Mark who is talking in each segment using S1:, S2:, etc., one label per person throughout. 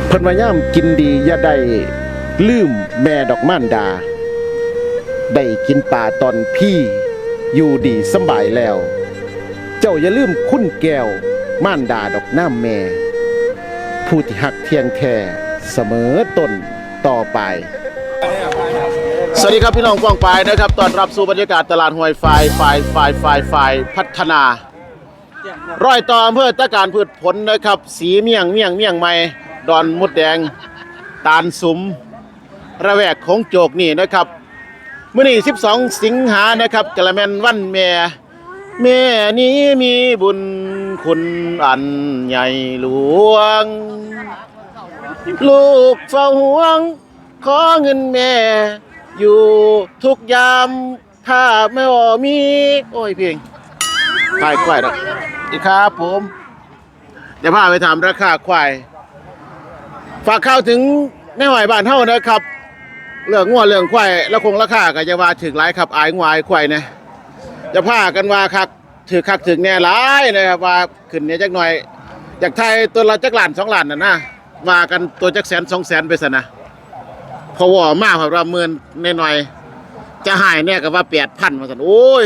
S1: เพิ่นว่าย่ำกินดีอย่าได้ลืมแม่ดอกม่านดาได้กินปลาตอนพี่อยู่ดีสบายแล้วเจ้าอย่าลืมคุณแก้วม่านดาดอกน้ำแม่ผู้ที่หักเทียงแท้เสมอต้นต่อไปสวัสดีครับพี่น้องกว้างปลายนะครับตอนรับสู่บรรยากาศตลาดห้วยไฟพัฒนาร้อยต่ออำเภอตะการพืชผลนะครับสีเมี่ยงใหม่ดอนมดแดงตาลสุมระแวกของโจกนี่นะครับมื้อนี้12สิงหานะครับกะละแม่นวันแม่นี้มีบุญคุณอันใหญ่หลวงลูกเฝ้าห่วงขอเงินแม่อยู่ทุกยามถ้าไม่มีโอ้ยเพียงขายควายดอกดีครับผมเดี๋ยวพาไปถามราคาควายฝากข่าวถึงแม่หอยบ้านเฮานะครับเรื่องงัวเรื่องควายแล้วคงราคาก็จะว่าถึงหลายครับอายงัวอายควายนะจะพากันว่าคักถึงแน่หลายนะครับว่าขึ้นเนี่ยจักหน่อยจากไทยตัวละจักล้าน2ล้านน่ะนะว่ากันตัวจักแสน2แสนไปซะนะพอว่ามากครับว่าหมื่นหน่อยๆจะหายแน่ก็ว่า 8,000 ว่าซั่นโอ้ย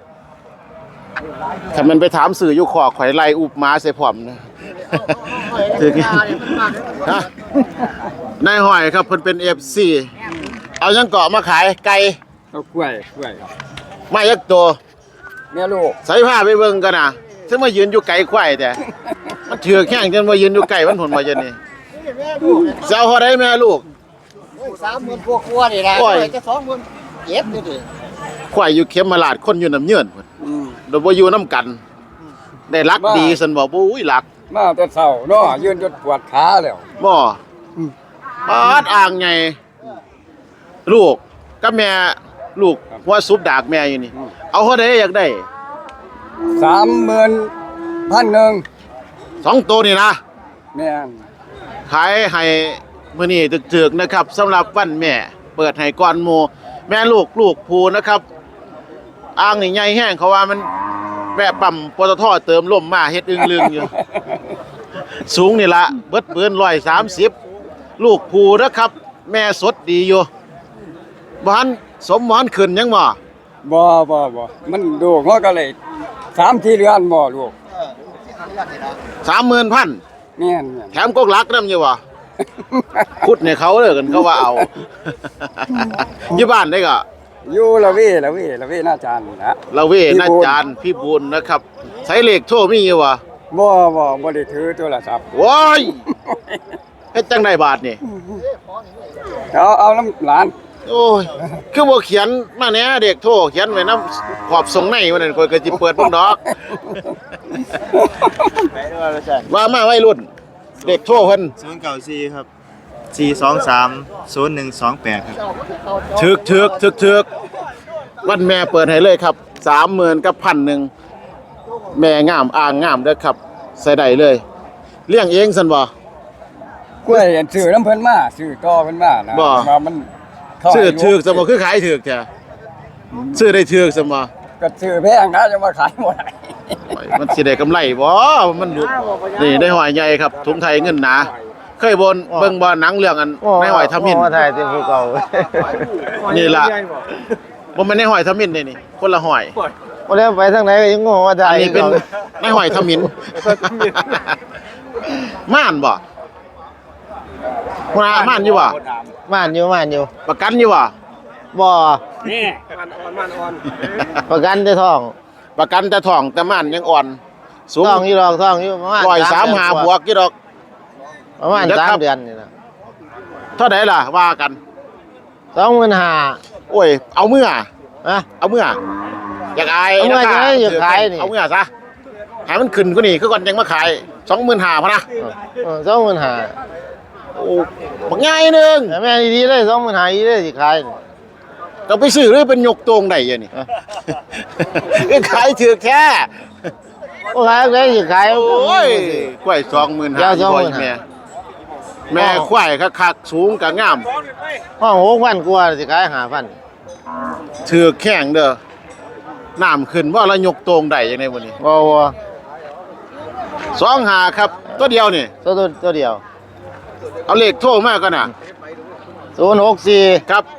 S1: ถ้ามันไปถามสื่ออยู่ขอข่อยไล่อุบม้าใส่พร้อมนะถึงฮะนายหอยครับเพิ่นเป็น FC เอายังเกาะมาขายไก่
S2: เอากล้วย
S1: มายักตัว
S2: แม่ลูก
S1: ใส่ผ้าไปเบิ่งกันน่ะซึ่งมายืนอยู่ไก่ควายแต่มันเถือกแข้งจนมายืนอยู่ไก่มันผลมาจนนี่เจ้าเท่าใดแม่ลูก
S3: 30,000กว่านี่ล่ะจะ20,000เจ็บนี่ดิ
S1: ควายอยู่เข็มมาลาดคนอยู่น้ำเยื่อนพุ่นโดยบ่อยู่น้ำกันได้รักดีซั่นบ่อุ้ยรัก
S2: มาแต่เช้าเนาะยืนจนปวดขาแล้ว
S1: บ่ปาดอ่างใหญ่ลูกกับแม่ลูกหัวซุปดากแม่อยู่นี่เอาเท่าใดอยากได้
S2: 30,000
S1: 2ตัวนี่นะ
S2: แม่น
S1: ขายให้มื้อนี้ถึกๆนะครับสำหรับวันแม่เปิดให้ก่อนหมู่แม่ลูกผู้นะครับอ่างนี่ใหญ่แห้งเขาว่ามันแวะปั๊มปตท.เติมลมมาเฮ็ดอึ้งลึงอยู่สูงนี่ละเบิดปืน130ลูกผู้นะครับแม่สดดีอยู่บ่ทันสมหมอนขึ้นยังบ่
S2: บ่มันดูกก็เลย3-4เดือนบ่ลูก
S1: 30,000
S2: แม่น
S1: แถมกกลักนำอยู่บ่ขุดให้เขาเด้อกันเขาว่าเอาอยู่บ้านได้ก็
S2: อยู่ละเวน่าจานนะ
S1: ละเวน่าจานพี่บุญนะครับใช้เลขโทรมีอยู่บ่
S2: บ่ได้ถือโทรศัพท์
S1: โว้ยเฮ็ดจังได๋บาทนี่
S2: เอาน้ำหลาน
S1: โอ้ยคือบ่เขียนมาแหน่เด็กโทรเขียนไว้นำขอบส่งในว่านั่นข่อยก็สิเปิดเบิ่งดอกว่ามาวัยรุ่นเด็กโทรเพิ่น
S4: 094ครับ4230128ครับ
S1: ถึกวันแม่เปิดให้เลยครับ 30,000 กับ 1,000 แม่งามอ่างงามเด้อครับใส่ได้เลยเลี้ยงเองซั่นบ่
S2: กล้วยซื้อน้ำเพิ่นมาซื้อต่อเพิ่นมานะว่ามัน
S1: ซื้อถึกซั่นบ่คือขายถึกแท้ซื้อได้ถึกซั่นบ่
S2: ก็ซื้อแพงนะจะมาขายบ่ได้
S1: มันสิได้กำไรบ่มันนี่ได้หอยใหญ่ครับถุงไทยเงินหนาเคยเบิ่งบ่หนังเรื่องอันในหอยทมิฬ
S3: ถ่ายแต่ผู้เก่า
S1: นี่ล่ะบ่แม่นในหอยทมิฬนี่คนละหอย
S3: บ่แล้วไปทางไหนก็ยังงงว่าถ่าย
S1: อันนี้เป็นในหอยทมิฬม่านบ่ม่านอยู่บ่
S3: ม่านอยู่
S1: ประกันอยู่บ่
S3: บ่นี่ม่านอ่อนประกันแต่ท้อง
S1: แต่ม่านยังอ่อนสูง
S3: ท้องอยู่ประมาณ
S1: 135บวกอยู่ดอก
S3: ประมาณ3เดือนนี่นะ
S1: เท่าใดล่ะว่ากัน
S3: 25,000
S1: โอ้ยเอาเมื่อ
S3: ฮะ
S1: เอาเมื่ออยากอาย
S3: นะคะอยากขายนี่
S1: เอาเมื่อซะให้มันขึ้นกว่านี้คือก่อนยังมาขาย 25,000 พะนะ
S3: 25,000
S1: โอ้บักใหญ่นึง
S3: แม่ดีๆเลย25,000อีเลยสิขาย
S1: ก็ไปซื้อหรือเป็นยกตรงได้อยู่นี่คือขายถือแค่
S3: โอ้ขายได้สิขาย
S1: โอ้ยกล้วย 25,000แม่ควายคักๆสูงก็งาม
S3: ห้อง 6,000 กว่าสิขาย 5,000
S1: ถือแข้งเด้อน้ำขึ้นว่าละยกตรงได้จังได๋บ่นี่
S3: บ่
S1: 25ครับตัวเดียวนี่
S3: ตัวเดียว
S1: เอาเลขโทรมากันน่ะ
S3: 064
S1: ครับ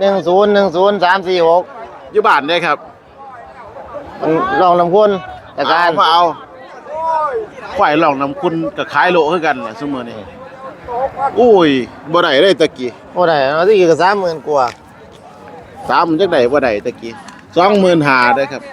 S3: 1010
S1: อยู่บ้านได้ครับ
S3: 346มันลองลำคุณจากการ
S1: มาเอาควายหลองน้ำคุณกับขายโลคือกันล่ะซุมื้อนี้อุ้ยบ่ได้เลยตะกี้
S3: บ่ได้เอาที่ก็30,000กว่า
S1: 3จักได้บ่ได้ตะกี้25,000เด้อครับ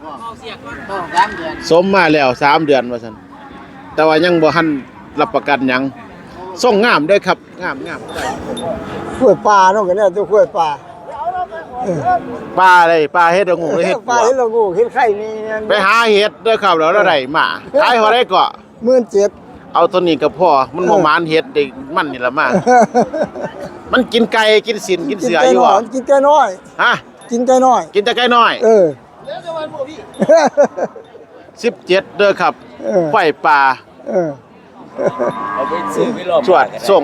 S1: สมมาแล้ว3 เดือนว่าซั่นแต่ว่ายังบ่ทันรับประกันหยังส่งงามเด้อครับงาม
S4: กล้วยปลาเนาะกันเนี่ยตัวกล้วยปลา
S1: ปลาอะไรปลาเฮ็ดดอกงูหรือเฮ็ด
S4: ปลา
S1: บัว
S4: เห็นเรางูเห็นไข่นี่
S1: ไปหาเฮ็ดเด้อครับแล้วได้มาขายเท่าไดก็
S4: 17,000
S1: เอาตัวนี้ก็พอมันบ่มานเฮ็ดได้มันนี่ล่ะมามันกินไก่กินสินกินเสืออยู่บ่
S4: กินไก่น้อย
S1: ฮะ
S4: กินไก่น้อย
S1: กินแต่ไก่น้อย
S4: เออ
S1: 17เด้อครับ
S4: เออ
S1: ไฟป่า
S4: เออ
S1: สวดส่ง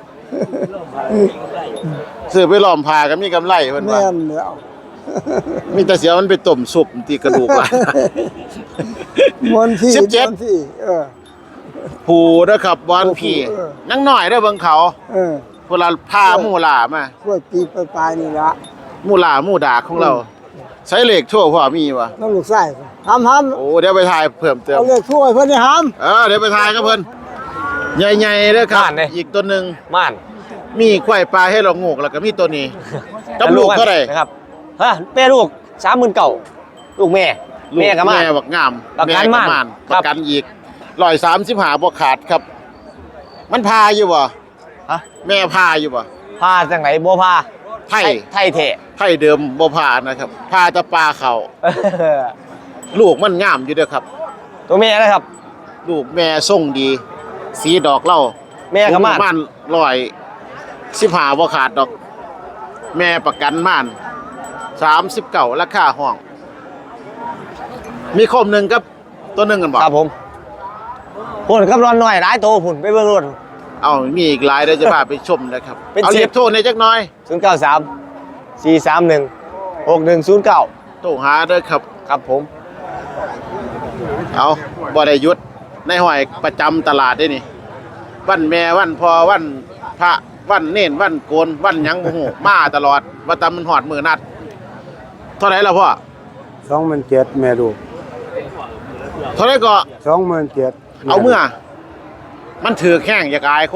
S1: ซื้อไปหลอมผ้าก็มีกำไรเพิ่น
S4: แม่
S1: ว่าน
S4: แล้ว
S1: มีแต่เสียมันไปต้มซุปที่กระดูกว่า
S4: มวนพี่
S1: 17
S4: มวนพี่เออ
S1: ผูเด้อครับวานพี่
S4: เออ
S1: นังน้อยเด้อเบิ่งเขา
S4: เออ
S1: เวลาพาหมู่หลามา
S4: กล้วยปีปลายนี่ละ
S1: หมู่หลาหมู่ดากของเราใช้เลขโทรพ่อมีบ่
S4: น้องลูกไส้ห้าม
S1: โอ้เดี๋ยวไปถ่ายเพิ่มเติม
S4: เอาเลขถ้วยเพิ่นนี่ห้าม
S1: เดี๋ยวไปถ่ายกับเพิ่นใหญ่ๆเด้อครับ
S5: ม่านเด้
S1: อีกตัวหนึง
S5: ม่าน
S1: มีควายปลาให้เรางกแล้วก็มีตัวนี้กับลูกเท่าไหร่
S5: นะครับฮะแม่ลูก30,000เก่าลูกแม่แม่กับม่าน
S1: แม่บักงาม
S5: ประกัน
S1: แม่
S5: ม่าน
S1: ป
S5: ครับ
S1: ระกันอีก135บ่ขาดครับ มันพาอยู่บ่
S5: ฮะ
S1: แม่พาอยู่บ่
S5: พาจังไหนบ่พา
S1: ไทย
S5: ไทยเทะ
S1: ไทยเดิมบ่พานะครับพาแต่ปลาเขาลูกมันงามอยู่เด้อครับ
S5: ตัวแม่นะครับ
S1: ลูกแม่ทรงดี สีดอกเหล้า
S5: แม่กับม่าน
S1: ประมาณ115บ่ขาดดอก แม่ประกันม่าน39ราคาห้อง มีคมหนึงกับตัวหนึงกันบ่
S5: ครับผมพุ่นกับร้อนหน่อยหลายโตพุ่นไปเบิ่งรถ
S1: เอามีอีกหลายเดี๋ยวจะพาไปชมนะครับ
S5: เป็น
S1: เอา
S5: สิบ
S1: เรียกโทรในจักหน่อย
S5: 093 431 6109
S1: โทรหาเด้อครับ
S5: ครับผม
S1: เอาบ่ได้หยุดในห้อยประจำตลาดได้นี่วันแม่วันพ่อวันพระวันเน้นวันโกนวันหยังบ่ฮู้มาตลอดว่าแตมันฮอดมื้อนัดเท่าไหร่ล่ะพ่อ
S4: 27,000แม่ลูก
S1: เท่าไหร่ก็
S4: 27,000
S1: เอาเมื่อ มันถือแข้งอยากอายคน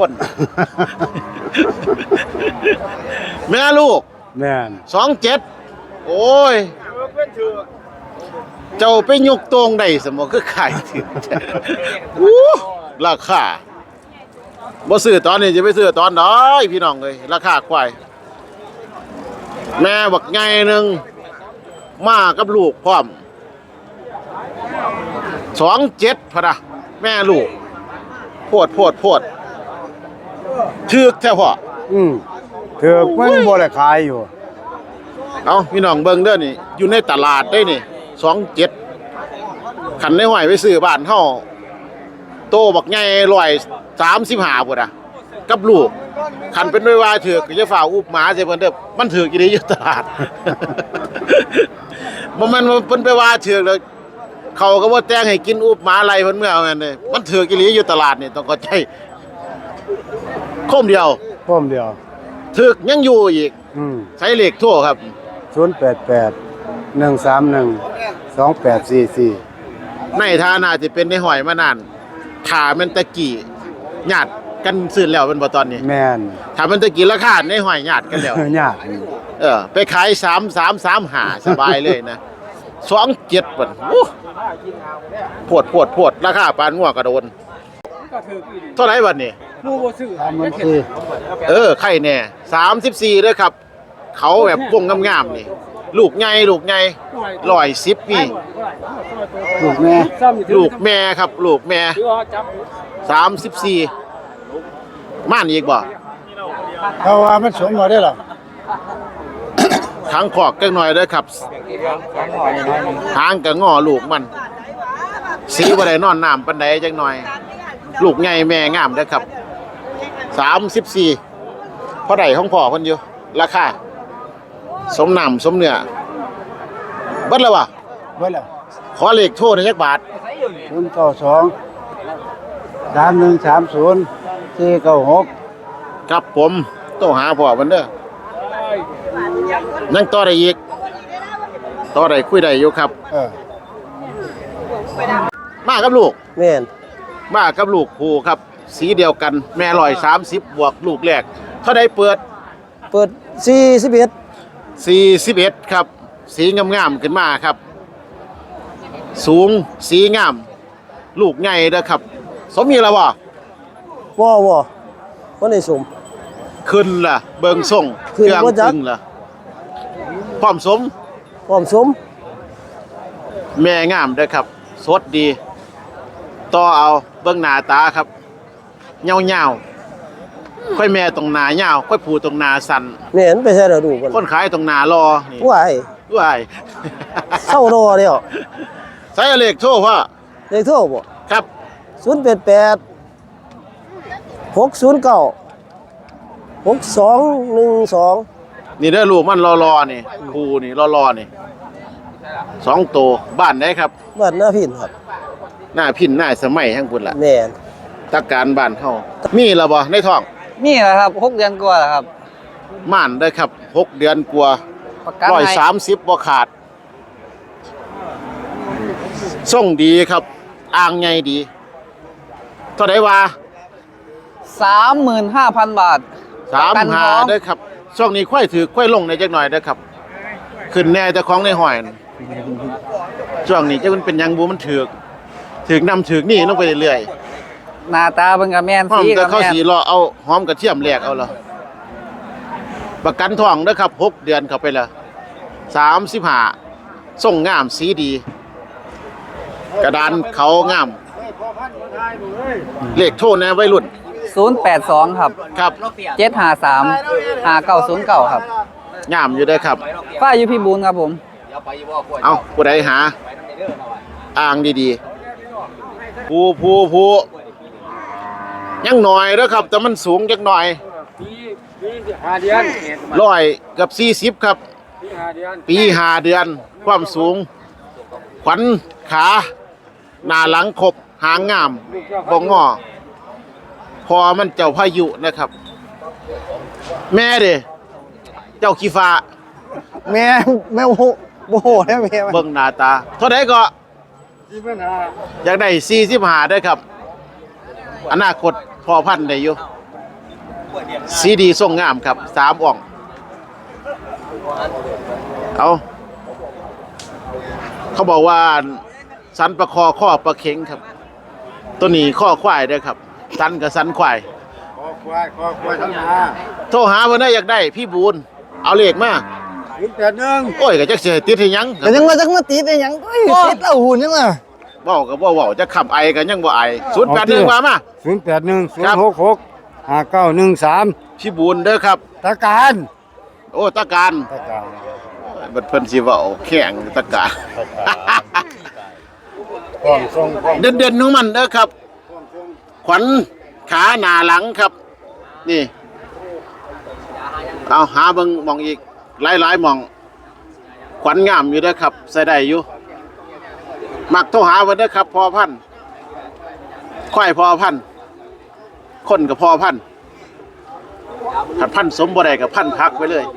S1: แม่ลูก
S4: แม่น
S1: 27โอ้ย เจ้าไปยกตรงได้สมอคือขายถึง อู้ราคาบ่ซื้อตอนนี้จะไปซื้อตอนใดพี่น้องเอ้ยราคาควายแม่บักใหญ่หนึงมากับลูกพร้อม27พะนะแม่ลูกโพดถึกแท้พ่อ
S4: ถือมันบ่ได้ขายอยู่
S1: เอาพี่น้องเบิ่งเด้อนี่อยู่ในตลาดได้นี่27ขันในห้อยไปซื้อบ้านเฮาโตบักใหญ่135พุ่นน่ะกับลูกขันเป็นไว้ว่าถือกก็จะฝ่าอุบหมาใส่เพิ่นเด้อมันถือกอีหลีอยู่ตลาด บ่แม่นว่าเพิ่นไปว่าถือกแล้วเขาก็บ่แต่งให้กินอุบหมาไล่เพิ่นเมื่อเอาแม่นเด้มันถือกอีหลีอยู่ตลาดนี่ต้องเข้าใจคมเดียว
S4: พร้อมเดียว
S1: ถือกยังอยู่อีกใช้เลขโทรครับ
S4: 088 131 2844
S1: ในฐานะที่เป็นในหอยมานานขาแมันตะกี้ญาติกันซื้อแล้วเป็นบ่ตอนนี้
S4: แม่น
S1: ถ้ามันตะกี้ราคาในหอยญาติกันแล้ว
S4: ยาก
S1: ไปขาย3335สบายเลยนะ27เบิ่นโพดราคาปานงัวกระโดนเท่าไหร่บัดนี้
S4: มันคือ
S1: ไข่แน่34เด้อครับ เขาแบบวงงามๆนี่ ลูกใหญ่110นี่
S4: ลูกแม่
S1: ลูกแม่ครับ ลูกแม่34ม่านอีกบ่
S4: เพราะว่ามันสมบ่ได้หรอ
S1: ทางขอกจักหน่อยเด้อครับทางก็ง้อลูกมัน สีบ่ได้นอนน้ำปานใดจักหน่อย ลูกใหญ่แม่งามเด้อครับ34พอได้ของพ่อเพิ่นอยู่ราคาสมน้ำสมเนื้อเบิดแล้ววะ
S4: เบิดแล้ว
S1: ขอเลขโทรหน่อยจักบาท
S4: 092 3130 496
S1: ครับผมต้องหาพ่อมันเด้อยังต่อได้อีกต่อได้คุยได้อยู่ครับมากับลูก
S3: แม่น
S1: มากับลูกคู่ครับ สีเดียวกันแม่130บวกลูกแรกเท่าใดเปิด
S3: เปิด41
S1: 41ครับ สีงามๆขึ้นมาครับ สูงสีงาม ลูกใหญ่เด้อครับ สมมีแล้วบ่
S3: บ่บ่ได้สม
S1: ขึ้นล่ะ เบิงส่ง
S3: ขึ้นบ่จัก
S1: ขึ้นล่ะพร้อมสม
S3: พร้อมสม
S1: แม่งามเด้อครับ สดดี ต่อเอาเบิ่งหน้าตาครับเงาๆค่อยแม่ตรงหน้ายาวค่อยผูตรงหน้าสั้น
S3: แม่นไปใส่แล้วดูกัน
S1: คนขายตรงหน้ารอนี่
S3: ว้าย
S1: ว้าย
S3: เศร้ารอแล้ว
S1: ใส่เลขโทรพ่อ
S3: เลขโทรบ่
S1: ครับ
S3: 088 609 6212
S1: นี่เด้อลูกมันรอนี่ครูนี่รอนี่2ตัวบ้านไหนครับ
S3: บ้านนาพินครับ
S1: หน้าพินหน้าสมัยทั้งพุ่นล่ะ
S3: แม่น
S1: ตักการบ้านเฮามีแล้วบ่ในท้อง
S5: นี่แหละครับ6 เดือนกว่าแล้วครับ
S1: ม่านได้อครับ6 เดือนกว่า
S5: ประกันให้
S1: 130บ่ขาดส่งดีครับอ่างใหญ่ดีเท่าใดว่า
S5: 35,000 บาท ประกันท้อง
S1: 35เด้อครับช่วงนี้ค่อยถือค่อยลงในจักหน่อยเด้อครับ ขึ้นแน่เจ้าของในห้อยนั่นช่วงนี้จะมันเป็นหยังบ่มันถือกนำถือกนี่ลงไปเรื่อยๆ
S5: หน้าตาเบิ่งก็แม่น
S1: หอม
S5: สี
S1: แต่
S5: ก็
S1: เข้า
S5: แม่น
S1: สีรอเอาหอมกระเทียมแหลกเอาละประกันทองนะครับ6 เดือนเข้าไปละ35ส่งงามสีดี กระดานเขางาม เลขโทรแน่วัยรุ่น
S5: 082ครับ
S1: ครับ
S5: 753 5909ครับ
S1: งามอยู่ได้อครับ
S5: ฝ้ายอยู่พี่บูนครับผม
S1: เอาผู้ใดหาอ่างดีๆผู้ยังหน่อยเด้อครับ แต่มันสูงจักหน่อย
S2: 5 เดือน
S1: 100กับ40ครับ ปี5 เดือน ความสูง ขวัญขาหน้าหลังครบหางงามบ่งอพอมันเจ้าพายุนะครับ แม่เด้เจ้าขี้ฟ้า
S3: แม่โอ้โหแล้วแม่
S1: เบิ่งหน้าตา เท่าใดก็อยากได้45ได้อครับ อนาคตพอพันธุ์ได้อยู่สีดีทรงงามครับ3อ่อง เอาเขาบอกว่าสันประคอข้อประเข็งครับ ตัวนี้ข้อควายเด้อครับ สันกับสันควาย
S4: คอควายทั้งหน้า
S1: โทรหาเพิ่นได้อยากได้พี่บูนเอาเลขมา
S4: 081
S1: โอ้ยก็จักสิให้ติดให้หยัง
S3: ก็ยังมาจักมาติดได้หยังเอ้ยติดแล้วหุ่นยังล่ะ
S1: เว้าก็บ่เว้าจะขับไอก็ยังบ่ไอ081ว่ามา
S4: 081 066 5913
S1: พี่บูนเด้อครับ
S4: ตะการ
S1: โอ้ตะการ
S4: ตะการ
S1: บัดเพิ่นสิเว้าแข็งตะการ
S4: พร้อมส่งพร้อม
S1: เด่นๆของมันเด้อครับ ขวัญขาหน้าหลังครับ นี่ เอาหาเบิ่งหมองอีกหลายๆหมอง ขวัญงามอยู่เด้อครับใส่ได้อยู่มักโทรหาเพิ่นเด้อครับพอพันธุ์ค่อยพอพันธุ์คนกับพอพันธุ์ขัดพันธุ์สมบ่ได้กับพันธุ์พักไว้เลย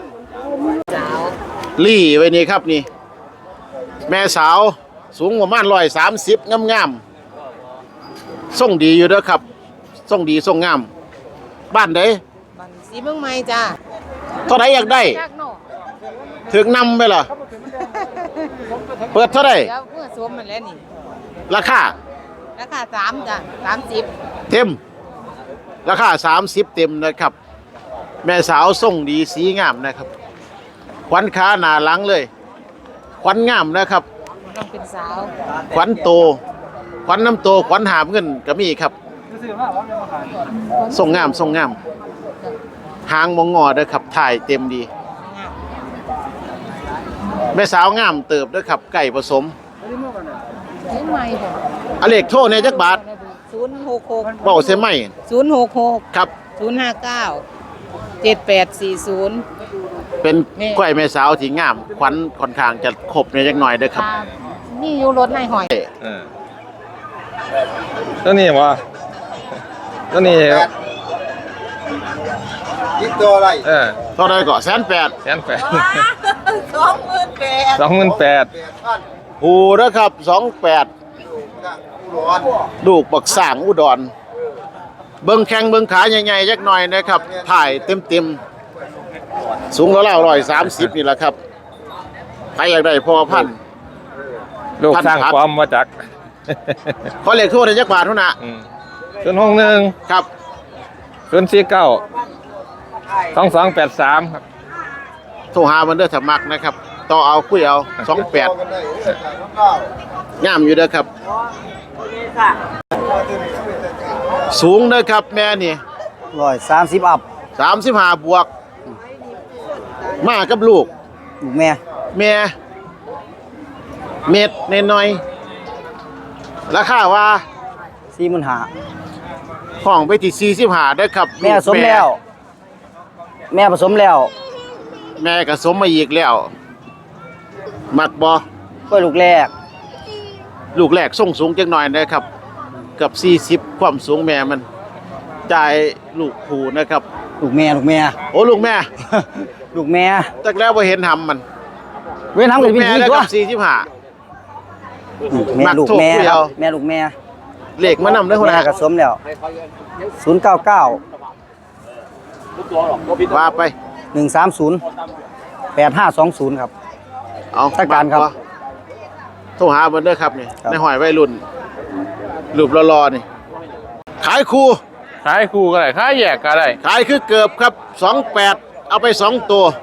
S1: ลี่ไว้นี่ครับนี่ แม่สาวสูงประมาณ130งามๆส่งดีอยู่เด้อครับส่งดีส่งงาม บ้านใด
S6: บันสีเมืองใหม่จ้า
S1: เท่าไหร่อยากได้
S6: จากโน่
S1: ถึงนำไปเหรอเปิดเท่าไหร่
S6: เดี๋ยวเมื่อสวมมันแล้วนี่
S1: ราคา
S6: ราคา3จ้ะ30
S1: เต็ม ราคา30เต็มนะครับ แม่สาวส่งดีสีงามนะครับ ขวัญขาหน้าหลังเลย ขวัญงามนะครับ
S6: ต้องเป็นสาว
S1: ขวัญโต ขวัญน้ำโต ขวัญหามเงินก็มีครับส่งงามส่งงาม หางมองงอเด้อครับถ่ายเต็มดี แม่สาวงามเติบเด้อครับ ไก่ผสม
S6: สีใหม่บ่
S1: อเลขโทษในจักบาท
S6: 066
S1: เบ้าเสียไหม
S6: 066
S1: ครับ
S6: 059 7840
S1: เป็น
S6: นี่
S1: กล้วยแม่สาวที่งาม ขวัญค่อนข้างจะครบในจักหน่อยเด้อครับ
S6: นี่อยู่รถในหอย
S5: ตัวนี้บ่ตัวนี้
S4: คิดตัวอะไร
S1: เท่าไรก็180,000
S5: แสนแปด
S6: 28,000
S5: 28,000
S1: ผูนะครับ28ลูกบักสร้างอุดรเบิ่งแข้งเบิ่งขาใหญ่ๆจักหน่อยนะครับถ่ายเต็มๆสูงแล้ว130นี่แหละครับใครอยากได้พอพันธุ์
S5: ลูกสร้างความมาจาก
S1: ขอเลขโทรได้จักบาทเท่านั้น
S5: 061
S1: ครับ
S5: 049 2283 ครับ
S1: โทรหามันเด้อถ้ามักนะครับต่อเอาคุยเอา28งามอยู่เด้อครับสูงเด้อครับแม่นี่
S3: 130อัพ
S1: 35บวกมากับลูก
S3: ลูกแม่
S1: แม่เม็ดน้อยๆราคาว่า
S3: 45,000
S1: ห้องไปที่45ได้อครับ
S3: แม่สมแล้ว แม่ผสมแล้ว
S1: แม่ก็สมมาอีกแล้วมักบ่
S3: กล้วยลูกแรก
S1: ลูกแรกส่งสูงจังหน่อยนะครับเกับ40ความสูงแม่มันจ่ายลูกผูนะครับ
S3: ลูกแม่
S1: โอ้ลูกแม่
S3: ลูกแม่
S1: จักแล้วบ่เห็นหำมัน
S3: เว้นทำ
S1: ลู
S3: กัน
S1: ก
S3: เป็น
S1: แม่
S3: ที
S1: แล้ว
S3: ตัว
S1: กับ45
S3: ลูกแม่
S1: มัก
S3: ลูก
S1: โทร
S3: แม่
S1: คุย
S3: ครั
S1: เอา
S3: บแม่ลูกแม่
S1: เลขมานำเด้อหัวห
S3: แม่
S1: น้า
S3: ผสมแล้ว099
S1: ว่าไป
S3: 130 8520ครับ
S1: เอา
S3: จัดการครับ
S1: โทรหาเบิ่นเด้อครับนี่
S3: ครับ
S1: ในหอยวัยรุ่นรูปรอๆนี่ขายคู่
S5: ขายคู่ก็ได้ขายแยกก็ได้
S1: ขายคือเกือบครับ28เอาไป2ตัว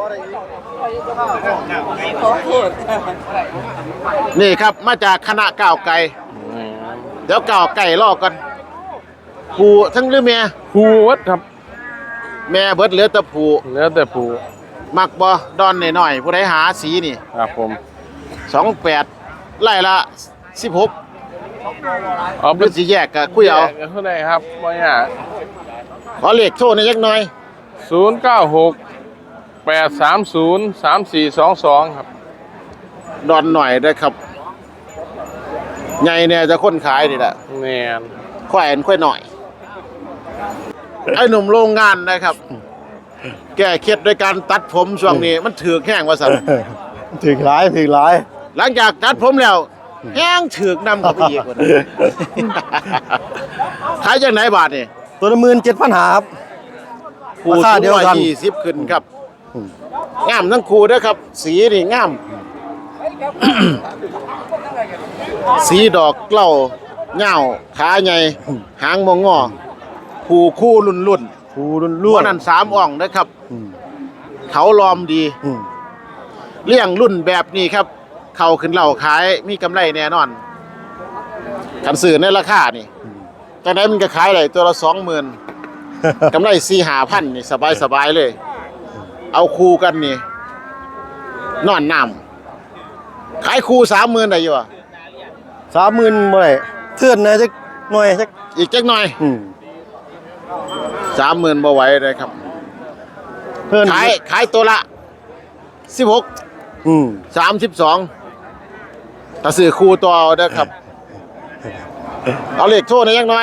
S1: นี่ครับมาจากคณะก้าวไก่เดี๋ยวก้าวไก่รอกันผู้ทั้งหรือแม่
S5: คู่วัดครับ
S1: แม่เบิดเหลือแต่ผู้
S5: แล้วแต่ผู้
S1: มักบ่ดอนหน่อยๆผู้ใดหาสีนี่
S5: ครับผม
S1: 28ไล่ละ16
S5: เอา
S1: หรือสิแยกก็คุยเอา
S5: แยกเท่าไหร่ครับบ่ยาก
S1: ขอเลขโทรหน่อยจักหน่อย
S5: 096 830 3422 ครับ
S1: ดอนหน่อยเด้อครับใหญ่เนี่ยจะคนขายนี่แหละ
S5: แม่น
S1: แขวนค่อยหน่อย ไอ้หนุ่มโรงงานนะครับ แก้เคล็ดโดยการตัดผมช่วงนี้มันถือกแห้งว่าสัน
S3: ถึงหลาย
S1: หลังจากตัดผมแล้วแห้งถือกนำเข้าไปอีกว่านั้นขายจากไหนบาทนี่
S3: ตัวละ17,500ครับ
S1: คู่
S3: ราคาเดียวกัน
S1: 120ขึ้นครับงามทั้งคู่เด้อครับ สีนี่งาม สีดอกเกล้าเหย้าขาใหญ่หางมองงอผู้คู่รุ่น
S3: ผู้
S1: ๆ
S3: ล้วน
S1: นั้น3อ่องนะครับ เขาลอมดี
S3: ๆ
S1: เลี้ยงรุ่นแบบนี้ครับ เข้าขึ้นเหล่าขายมีกำไรแน่นอนกันซื้อในราคานี่จากนั้นมันก็ขายได้ตัวละ 20,000 กำไร 4-5,000 นี่สบายๆเลย เอาคู่กันนี่นอนน้ำขายคู่ 30,000 ได้อยู่อ่ะ
S3: 30,000บ่ได้เทื่อนนะจักหน่อยจัก
S1: อีกจักหน่อย 30,000บ่ไหวเลยครับ
S3: เพิ่น
S1: ขายตัวละ 16 32ถ้าซื้อคู่ตัวเอาเด้อครับ เอาเลขโทรหน่อยจักหน่อย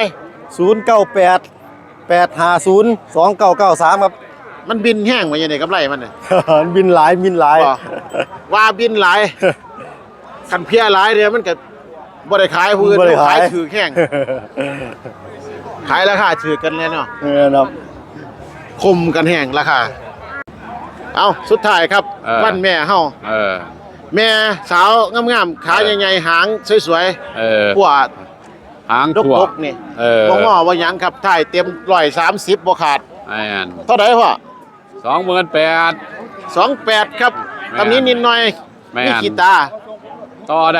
S3: 098 850 2993ครับ
S1: มันบินแห้งมาอย่างไรกำไรมันเนี่ย
S3: บินหลาย
S1: บ่ว่าบินหลายคันเพียหลายเดียวมันก็บ่ได้ขายผู้อื่น
S3: บ่ได้ขาย
S1: ถือแห้งขายราคาถือกันเลยเนาะ
S3: ครับ
S1: คมกันแห้งราคาเอาสุดท้ายครับ วันแม่เฮาแม่สาวงามๆขาใหญ่ๆหางสวยๆพวก
S5: หาง
S1: ด
S5: ทั่ว
S1: กๆนี่บ่งอบ่หยังครับถ่ายเต็ม130บ่ขาด
S5: อัน
S1: เท่าใดพ่อ
S5: 28,000
S1: 28ครับ
S5: แม่น
S1: ตำนี้นิดหน่อย
S5: แม่น
S1: มีขีตา
S5: ต่อได้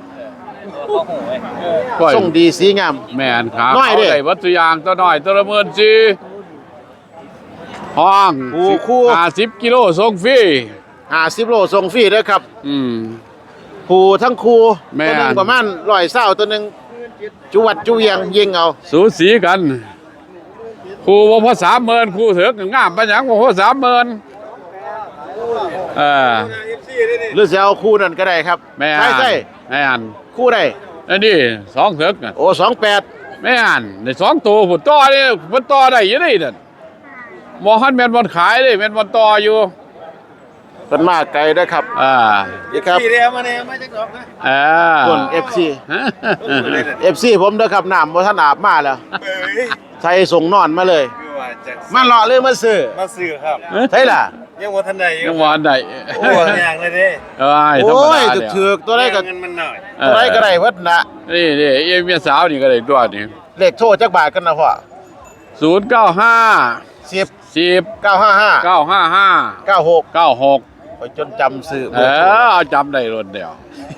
S1: ส่งดีสีงาม
S5: แม่นครับ
S1: น้อยเด้
S5: าได้วัตถุยางตัวน้อยตัวละ14,000ห้อง
S1: คู่
S5: 50กิโลส่งฟรี
S1: 50โลส่งฟรีเด้อครับ ผู้ทั้งคู่
S5: แม่น
S1: ตัวหนึงประมาณ120ตัวหนึงจุวัดจุเวียงยิงเอา
S5: สูสีกันครูว่าพอ30,000ครูเถือกงามปานหยังว่าพอ30,000
S1: หรือจะเอาคู่นั่นก็ได้ครับ
S5: แม่
S1: ใช่
S5: แม่น
S1: ๆคู่ได้
S5: อันนี้2เถือกน่ะ
S1: โอ้28
S5: แม่นได้2ตัวพุ่นต่อนี่มันต่อได้อยู่นี่นั่นบ่ฮันแม่นบ่ขายเด้แม่นบ่ต่ออยู่
S1: เป็นมาไกลเด้อครับ นี่ครับ
S4: สี่เดียวมาเนี่ยมาจากดอกนะ
S1: ส่วน FC ผมเด้อครับน้ำบ่ทันอาบมาแล้วใส่ส่งนอนมาเลย
S4: คือว่าจาก
S1: มาเลาะเลยมาซื้อ
S4: มาซื้อครับ
S1: ใช่ล่ะ
S4: ยังว่าทันใด
S5: ยังบ่อันใด
S4: โอ้ยอย่างเลยเด้
S5: ธรรม
S1: โอ้ย
S5: ดาเดียว
S1: ถูกๆตัวใดก็
S4: เงินมันหน่อย
S1: ตัวใดก็ได้เบิดน่ะ
S5: นี่เอ้เมียสาวนี่ก็ได้ตัวนี่
S1: เลขโทรจักบาทกันนะพ่อ
S5: 095
S1: 10
S5: 10
S1: 955
S5: 955
S1: 96
S5: 96
S1: ไปจนจำซื้อ
S5: เอาจำได้รถเดียว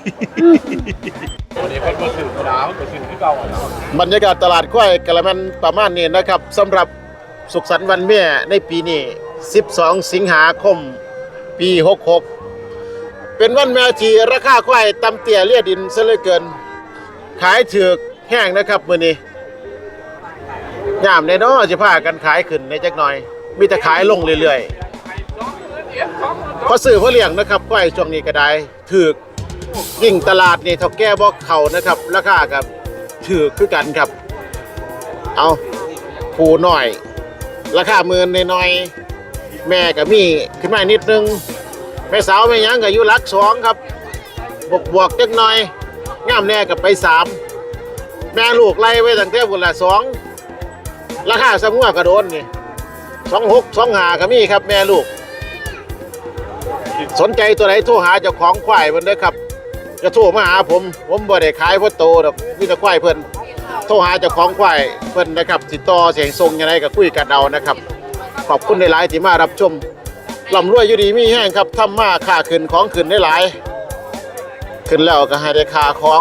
S5: วันนี้เพิ่นบ่ซื้อดาวก็ซื้อคือเก่า
S1: บรรยากาศตลาดกล้วยกะละแมนประมาณนี้นะครับสำหรับสุขสันต์วันแม่ในปีนี้ 12 สิงหาคม ปี 66 เป็นวันแม่ที่ราคาควายต่ำเตี้ยเลียดินซะเหลือเกิน ขายถูกแห้งนะครับมื้อนี้ยามแน่นอนสิพากันขายขึ้นในจักหน่อย มีแต่ขายลงเรื่อยๆพอซื้อพอเลี้ยงนะครับควายช่วงนี้ก็ได้ถูกยิ่งตลาดนี่เท่าแก่บ่เข้านะครับราคาก็ถูกคือกันครับ เอาผู้น้อย ราคาหมื่นน้อยๆแม่ก็มีขึ้นมานิดนึงแม่สาวแม่หยังก็อยู่หลัก2ครับบวกจักหน่อยงามแน่ก็ไป3แม่ลูกไล่ไว้ตั้งแต่พุ่นละ2ราคาสมัวก็โดนนี่26 25ก็มีครับแม่ลูก สนใจตัวไหนโทรหาเจ้าของควายเพิ่นเด้อครับจะโทรมาหาผมบ่ได้ขายพ่อโตดอกมีแต่ควายเพิ่นโทรหาเจ้าของควายเพิ่นนะครับติดต่อเสียงทรงยังไงก็คุยกันเอานะครับขอบคุณหลายๆที่มารับชมร่ำรวยอยู่ดีมีแห้งครับทำมาค่าขึ้นของขึ้นได้หลายขึ้นแล้วก็ให้ได้ค่าของ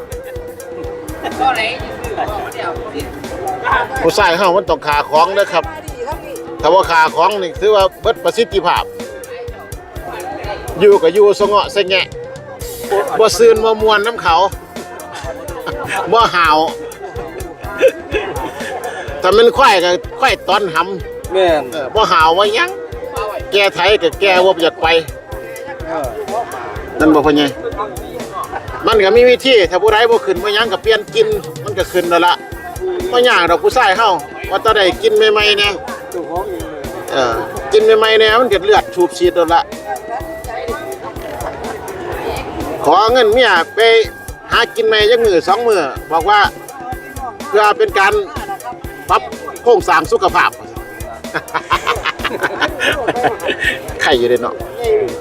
S1: ผู้ชายเฮามันต้องค่าของเด้อครับถ้าว่าค่าของนี่ถือว่าเบิดประสิทธิภาพอยู่ก็อยู่สงะสงแงะบ่ซืนบ่มวนน้ำเขาบ่หาวถ้ามันควายก็ควายตอนหำ
S2: แม่น
S1: บ่หาวว่าหยังแกไทยก็แกบ่อยากไปนั่นบ่พ่อใหญ่มันก็มีวิธีถ้าผู้ใดบ่ขึ้นบ่หยังก็เปลี่ยนกินมันก็ขึ้นแล้วล่ะบ่ยากดอกผู้ชายเฮาว่าตาได้กินใหม่ๆแน่กินใหม่ๆแน่มันก็เลือดสูบฉีดแล้วล่ะขอเงินเมียไปหากินใหม่จักมื้อ2มื้อบอกว่าเพื่อเป็นการปรับโครงสร้างสุขภาพ ไข่อยู่เด้เนาะ